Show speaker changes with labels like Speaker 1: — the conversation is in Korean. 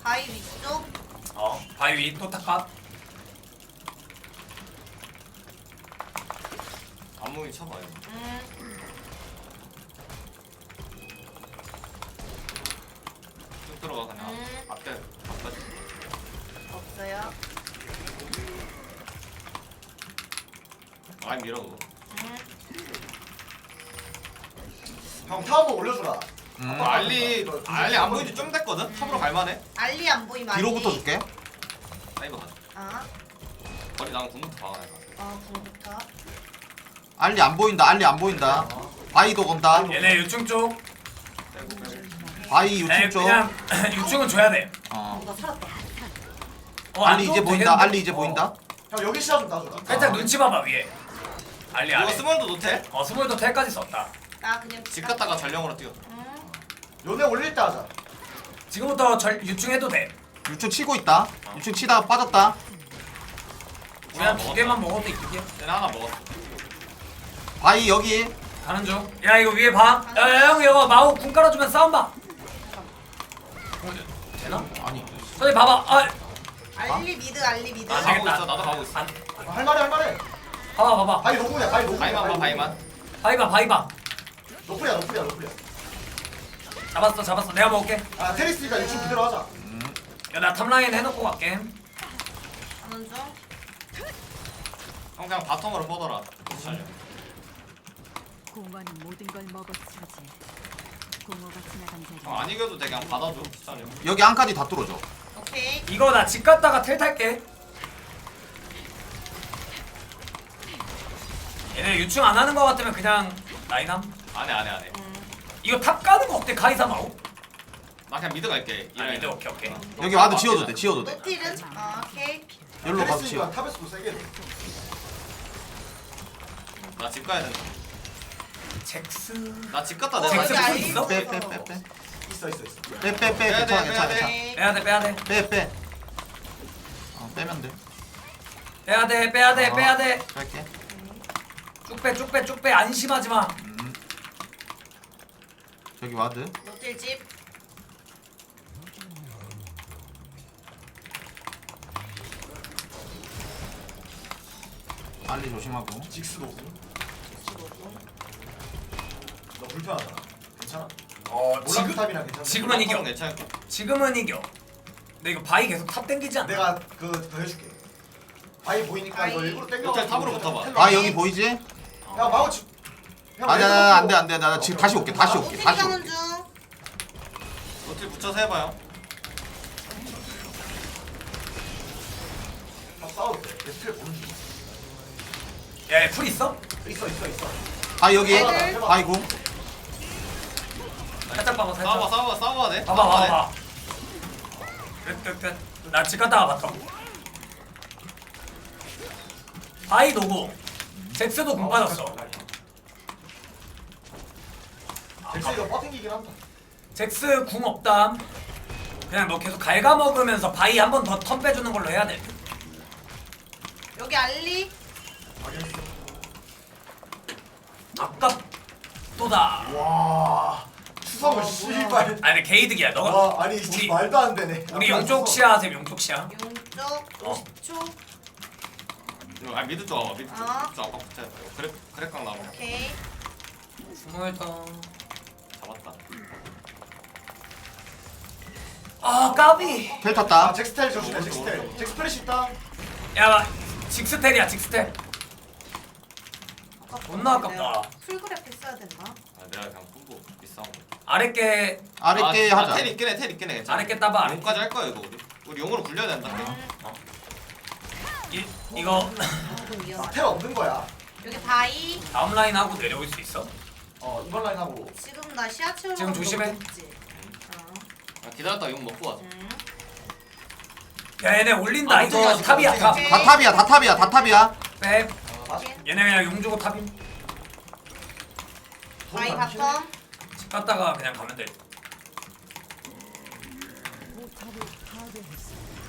Speaker 1: 바위 위쪽.
Speaker 2: 바위 위 또 탑각.
Speaker 3: 안무이 쳐봐요. 쭉 들어가 그냥. 앞에
Speaker 1: 없어요.
Speaker 3: 많이 밀어 그거.
Speaker 4: 형 타 한번 올려주라.
Speaker 3: 알리 안 보인 지 좀 됐거든. 탑으로 갈만해.
Speaker 1: 알리 안 보이면
Speaker 5: 뒤로
Speaker 1: 알리.
Speaker 5: 붙어줄게.
Speaker 3: 사이버 가자.
Speaker 1: 아,
Speaker 3: 거리 나랑 궁부터 박아야 돼.
Speaker 1: 궁부터.
Speaker 5: 알리 안 보인다. 알리 안 보인다. 바위도 건다.
Speaker 2: 얘네 유충 쪽.
Speaker 5: 바위 유충 쪽.
Speaker 2: 그냥 유충은 줘야 돼.
Speaker 1: 나 살았다.
Speaker 5: 알리 이제 보인다. 알리 이제 보인다.
Speaker 4: 형 여기 시야 좀 따줘라.
Speaker 2: 살짝 눈치 봐봐 위에. 알리
Speaker 3: 이거
Speaker 2: 아래.
Speaker 3: 스몰도 노텔?
Speaker 2: 스몰도 텔까지 썼다.
Speaker 1: 나 그냥
Speaker 3: 집 갔다가 전령으로 뛰어.
Speaker 4: 요네 올릴 때 하자.
Speaker 2: 지금부터 유충해도 돼.
Speaker 5: 유충 치고 있다. 유충 치다가 빠졌다.
Speaker 2: 우리 한 2개만 먹어도 이득이야.
Speaker 3: 얘네 하나 먹었어.
Speaker 5: 바위 여기.
Speaker 2: 가는 중. 야 이거 위에 봐. 야 형 이거 마우 궁 깔아주면 싸움 봐. 되나?
Speaker 5: 아니.
Speaker 2: 저기 봐봐.
Speaker 1: 알리 미드 알리 미드.
Speaker 2: 아,
Speaker 3: 가고
Speaker 2: 되겠다.
Speaker 3: 있어. 나도 가고 있어.
Speaker 4: 할만해.
Speaker 2: 봐봐.
Speaker 4: 바위 노구냐 바위 노구냐.
Speaker 3: 바이만 봐 바이만.
Speaker 2: 바위 봐.
Speaker 4: 노플이야.
Speaker 2: 잡았어. 내가 먹을게.
Speaker 4: 아 테리스니까 유충 그대로 하자.
Speaker 2: 야 나 탑라인 해놓고 갈게.
Speaker 1: 가는 중.
Speaker 3: 형 그냥 바텀으로 뻗어라. 살려.
Speaker 6: 공원은 모든 걸 먹어치우지. 공허가 지나간 자리.
Speaker 3: 안 이겨도 돼. 그냥 받아줘. 살려.
Speaker 5: 여기 안까지 다 뚫어줘.
Speaker 1: 오케이.
Speaker 2: 이거 나 집 갔다가 텔 탈게. 얘네 유충 안 하는 거 같으면 그냥 라인함.
Speaker 3: 안해.
Speaker 2: 이거 탑 가는 거 어때 카이사 마우?
Speaker 3: 나 그냥 미드 갈게.
Speaker 2: 아 미드 오케이.
Speaker 5: 여기 와드 지워도 돼. 지워도 돼.
Speaker 1: 노틸은 오케이.
Speaker 5: 여기로 가서
Speaker 4: 테리스니까
Speaker 5: 지워.
Speaker 4: 탑에서도 세게 돼.
Speaker 3: 나 집 가야 된다.
Speaker 2: 잭스.
Speaker 3: 나 집 갔다
Speaker 1: 어,
Speaker 3: 내가
Speaker 2: 잭스
Speaker 1: 여기
Speaker 2: 풀
Speaker 1: 알리
Speaker 2: 있어?
Speaker 5: 빼.
Speaker 4: 있어.
Speaker 5: 빼.
Speaker 3: 빼야 돼,
Speaker 5: 괜찮아.
Speaker 1: 오케이.
Speaker 2: 빼야 돼.
Speaker 5: 빼. 빼면 돼.
Speaker 2: 빼야 돼.
Speaker 5: 갈게.
Speaker 2: 쭉 빼. 안심하지 마.
Speaker 5: 저기 와드.
Speaker 1: 노틸 집.
Speaker 5: 알리 조심하고.
Speaker 4: 직스 노구. 너 불편하잖아. 괜찮아? 몰락탑이랑 괜찮아.
Speaker 2: 지금은 이겨.
Speaker 3: 괜찮을게.
Speaker 2: 지금은 이겨. 근데 이거 바이 계속 탑 땡기지 않나?
Speaker 4: 내가 그거 해줄게. 바위 보이니까 이거
Speaker 1: 바위.
Speaker 4: 일부러 땡겨.
Speaker 3: 호텔 탑으로 붙어봐.
Speaker 5: 아 여기 보이지?
Speaker 4: 야 마우치.
Speaker 5: 아니야 안돼. 나 지금 다시 올게.
Speaker 1: 노틸 가는 중.
Speaker 3: 노틸 붙여서 해봐요.
Speaker 4: 싸워도 돼. 스킬 보는 중.
Speaker 2: 야풀 있어?
Speaker 4: 있어.
Speaker 5: 아 여기.
Speaker 1: 애들.
Speaker 5: 아이고.
Speaker 2: 살짝 봐봐 살짝.
Speaker 3: 싸워야 돼.
Speaker 2: 봐봐. 끝. 나 집 갔다가 봤어. 바이 노고. 잭스도 공 빠졌어.
Speaker 4: 잭스 이거 버팅기긴 한다.
Speaker 2: 잭스 궁 없담. 그냥 너 계속 갉아먹으면서 바이 한 번 더 턴 빼주는 걸로 해야 돼.
Speaker 1: 여기 알리.
Speaker 2: 아깝도다.
Speaker 4: 와. 추성을 씨발.
Speaker 2: 아니 근데 게이득이야. 너가
Speaker 4: 와 아니 진짜 말도 안 되네.
Speaker 2: 우리 용쪽 시야 하세요. 용쪽 시야.
Speaker 1: 용쪽 50초.
Speaker 3: 아 미드 쪽 와봐. 미드 쪽.
Speaker 1: 어.
Speaker 3: 쪽 아까 붙여야 돼. 그래깡 나와.
Speaker 1: 오케이.
Speaker 2: 스몰더.
Speaker 3: 잡았다.
Speaker 2: 아 까비.
Speaker 5: 텔
Speaker 4: 아
Speaker 5: 탔다.
Speaker 4: 잭스텔 조심해. 잭스텔. 잭스 플래시 있다.
Speaker 2: 야 직스텔이야 직스텔. 존나 아깝다.
Speaker 1: 풀그래프 써야 되나?
Speaker 3: 아 내가 그냥 뿜고 비싸운 거.
Speaker 2: 아랫게
Speaker 5: 아랫게 하자.
Speaker 3: 텔 있긴 해. 괜찮아.
Speaker 2: 아랫게 따봐.
Speaker 3: 용까지 할 거야 이거 우리 용으로 굴려야 된다.
Speaker 2: 이거
Speaker 1: 조금 위험하다.
Speaker 4: 텔 없는 거야.
Speaker 1: 여기 바위.
Speaker 2: 다음 라인 하고 내려올 수 있어?
Speaker 4: 이번 라인 하고.
Speaker 1: 지금 나 시야 채우는
Speaker 2: 지금
Speaker 1: 거
Speaker 2: 조심해.
Speaker 1: 너무 높지?
Speaker 3: 기다렸다 용 먹고 와줘.
Speaker 2: 야 얘네 올린다.
Speaker 3: 아,
Speaker 2: 이거
Speaker 3: 어떻게
Speaker 2: 탑이야
Speaker 3: 하지?
Speaker 2: 탑.
Speaker 1: 오케이.
Speaker 5: 다 탑이야.
Speaker 2: 빼.
Speaker 1: 오케이.
Speaker 2: 얘네 그냥 용 주고 탑임.
Speaker 1: 바위 바텀.
Speaker 2: 집 갔다가 그냥 가면 돼.